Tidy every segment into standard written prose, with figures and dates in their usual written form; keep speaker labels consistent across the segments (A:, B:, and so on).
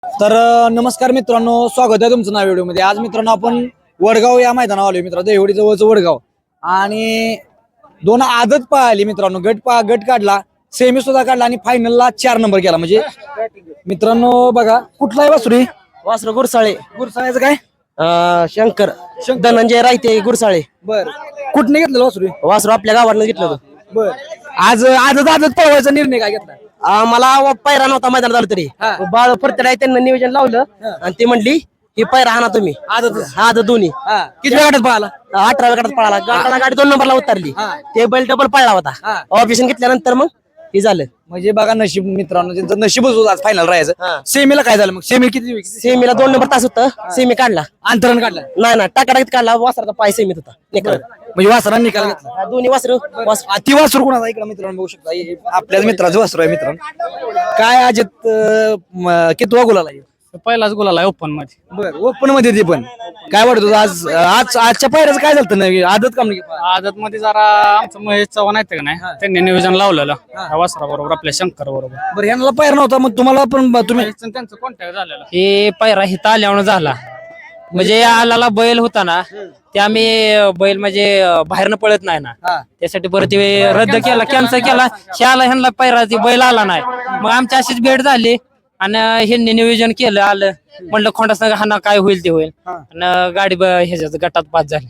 A: तर नमस्कार मित्रांनो, स्वागत आहे तुमचं नाव व्हिडिओमध्ये। आज मित्रांनो आपण वडगाव या मैदानावर आलोय मित्रांनो, देवडी जवळचं वडगाव। आणि दोन आदत पळाली मित्रांनो, गट काढला, सेमी सुद्धा काढला आणि फायनलला 4 नंबर केला। म्हणजे मित्रांनो बघा, कुठलाही
B: वासरू
A: गुरसाळ्याचं काय
B: शंकर धनंजय रायते गुरसाळे।
A: बर, कुठने घेतलेलं
B: वासरू आपल्या गावातनं घेतलं होतं।
A: बर, आज आदत पळवायचा निर्णय काय घेतला?
B: मला पायरा नव्हता मैदानात आलं तरी
A: हा.
B: बाळ फरतड आहे त्यांना नियोजन लावलं आणि ते म्हणली ही पायरा हाना तुम्ही आदत दोन्ही
A: किती वेळ गटात पळाला?
B: 18व्या गटात पळाला। गाठाला गाडी 2 नंबरला उतरली, ते बैल डबल पळला होता। ऑपरेशन घेतल्यानंतर मग हे झालं।
A: म्हणजे बघा नशीब मित्रांनो, त्यांचं नशीबच होतं आज फायनल राहायचं। सेमीला काय झालं मग? सेमी किती
B: सेमीला 2 नंबर तास होतं, सेमी काढला,
A: अंतरण काढलं?
B: नाही टाकाटाकीत काढला। वासराचा पाय सेमीत होता निकाल,
A: म्हणजे वासरांनी निकाल घेतला।
B: दोन्ही वासरू
A: ती वासरू कोणाचा इकडे मित्रांनो बघू शकता, हे आपल्याच मित्राचं वासरू आहे मित्रांनो। काय अजित कितवा गुलाल आहे?
C: पहिलाच गोल आला ओपन मध्ये।
A: बर, ओपन मध्ये ते पण काय वाटत होतं आज आजच्या पायऱ्याचं काय झालं नाही? आदत काम नाही
C: आदत मध्ये जरा आमचं महेश चव्हाण आहेत का नाही, त्यांनी नियोजन लावलेलं वासरा बरोबर, आपल्या शंकर बरोबर।
A: बरं, यांना पायर नव्हता मग तुम्हाला पण तुम्ही
C: त्यांचं कॉन्टॅक्ट झालेलं, हे पायरा हिथं आल्यावर झाला। म्हणजे आलाला बैल होता ना, ते आम्ही बैल म्हणजे बाहेरनं पळत नाही ना, त्यासाठी परत ते रद्द केला, कॅन्सल केला। ह्याला ह्यांना पायरा ती बैल आला नाही, मग आमची अशीच भेट झाली आणि ह्यांनी नियोजन केलं, आलं म्हणलं खोंडास हाना काय होईल ते होईल, आणि गाडी ह्याच्यात गटात पास झाली।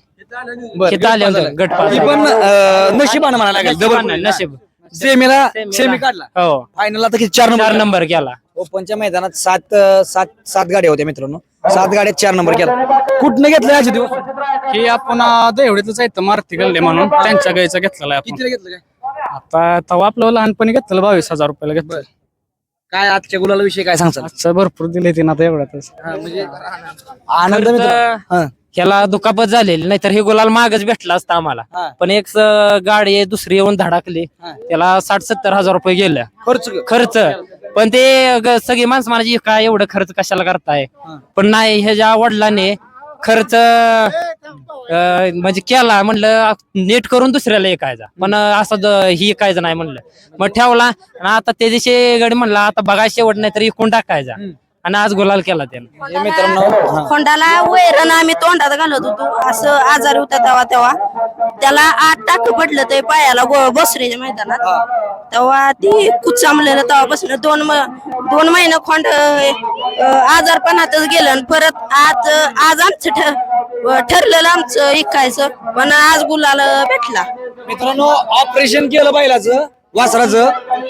C: गट पास
A: पण नशिबानं म्हणायला लागेल,
C: नशीब।
A: सेमी काढला,
C: हो
A: फायनल आता किती 4
C: नंबर केला।
A: ओपनच्या मैदानात सात गाड्या होत्या मित्रांनो, 7 गाड्यात 4 नंबर केला। कुठनं घेतलं आज दिवस?
C: हे आपण एवढीच आहे मारुती गल्ले म्हणून त्यांच्या गायचं घेतलेला आहे
A: कितीला घेतलं काय?
C: आता तवा आपलं लहानपणी घेतलं 22,000 रुपयाला घेतलं।
A: काय आजच्या गुलाला विषय काय सांगता?
C: आजचं भरपूर दिले ते ना आता एवढ्यातच
A: म्हणजे आनंद मित्र
C: ह्याला दुखापत झालेली, नाहीतर हे गुलाल मागच भेटला असता आम्हाला। पण एक गाडी दुसरी येऊन धडकली, त्याला 60-70 हजार रुपये गेले खर्च। पण ते सगळी माणसं म्हणायची काय एवढं खर्च कशाला करताय, पण नाही ह्याच्या वडिलांनी खर्च म्हणजे केला, म्हणलं नीट करून दुसऱ्याला ऐकायचा, पण असं ही ऐकायचं नाही म्हणलं, मग ठेवला। आणि आता त्या दिवशी गडी म्हणला आता बघा शेवट नाही तर इकून टाकायचा, आणि आज गुलाल केला त्यानं।
A: मित्रांनो
D: खोंडाला वैरण आम्ही तोंडात घालत होतो, असं आजार होता तेव्हा त्याला 8 टाक पडलं ते पायाला बसरीच्या मैदानात, तेव्हा ती कुचामलेलं, तेव्हापासून 2 महिने खोंड आजारपणातच गेलं। आणि परत आज आमचं ठरलेलं आमचं ऐकायचं, पण आज गुलाल भेटला।
A: मित्रांनो, ऑपरेशन केलं बैलाचं वासराचं,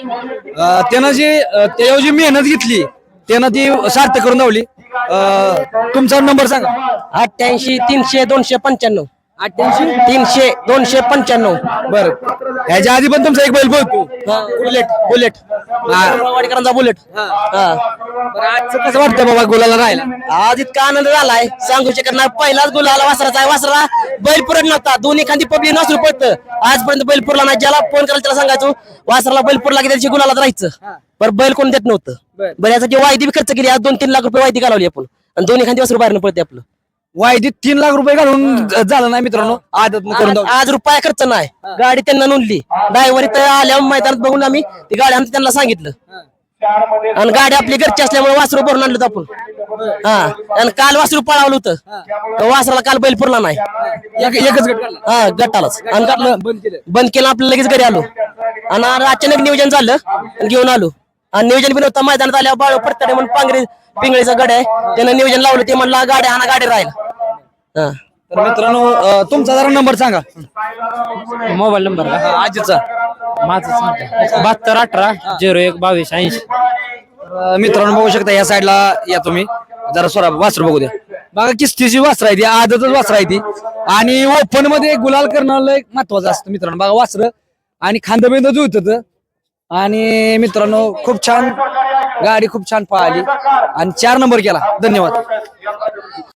A: त्यानं जी मेहनत घेतली त्यानं ती सार्थ करून दावली। तुमचा नंबर सांगा।
B: 88 300 295
A: 88
B: 300 295।
A: बर, ह्याच्या आधी पण तुमचा एक बैल बोलतो
B: बुलेट वाडीकरांचा बुलेट।
A: आजचं कसं वाटतं बाबा गुलाला राहिला?
B: आज इतका आनंद झालाय सांगू शकत नाही। पहिलाच गुलाल वासराचा आहे, वासराला बैल पुरत नव्हता, दोन्ही खांदी पब्लिक नसू पडतं, आजपर्यंत बैल पुरला नाही। ज्याला फोन करायला त्याला सांगायचो वासराला बैल पुरला की त्याची गुलाला राहायचं, पण बैल कोण देत नव्हतं। बैलासाठी वायदी बी खर्च केली, आज 2-3 लाख रुपये वायदी घालवली आपण, आणि दोन्ही खांदी वासरू बाहेर पडते आपलं।
A: वायदीत 3 लाख रुपये घालून झालं नाही मित्रांनो, आदत करून दावली।
B: आज रुपया खर्च नाही, गाडी त्यांना नोंदली, ड्रायव्हर इथं आल्या मैदानात बघून आम्ही ती गाडी आमची त्यांना सांगितलं, आणि गाडी आपली घरची असल्यामुळे वासरू भरून आणलं आपण। आणि काल वासरू पळावलं होतं, वासराला काल बैल पुरला नाही,
A: एकच गट काढला?
B: गटालाच, आणि बंद केलं आपलं, लगेच घरी आलो, आणि अचानक नियोजन झालं आणि घेऊन आलो। आणि नियोजन बी नव्हतं, मैदानात आल्या बाळ फरतडे म्हणून पिंगळीचा गड आहे, त्यानं नियोजन लावलं, ते म्हणलं गाडी हाना गाडी राहील।
A: तर मित्रांनो, तुमचा जरा नंबर सांगा,
C: मोबाईल नंबर
A: आजीचा।
C: माझं 72 18 01 22 80।
A: मित्रांनो बघू शकता, या साईडला या तुम्ही, जरा स्वरा वासर बघू द्या। बघा किस्तीची वासर आहे ती, आदतच वासर आहे ती, आणि ओपन मध्ये गुलाल करणं एक महत्वाचं असतं मित्रांनो। बघा वासर आणि खांदबिंद जुळत, आणि मित्रांनो खूप छान गाडी, खूप छान पळाली आणि 4 नंबर केला। धन्यवाद।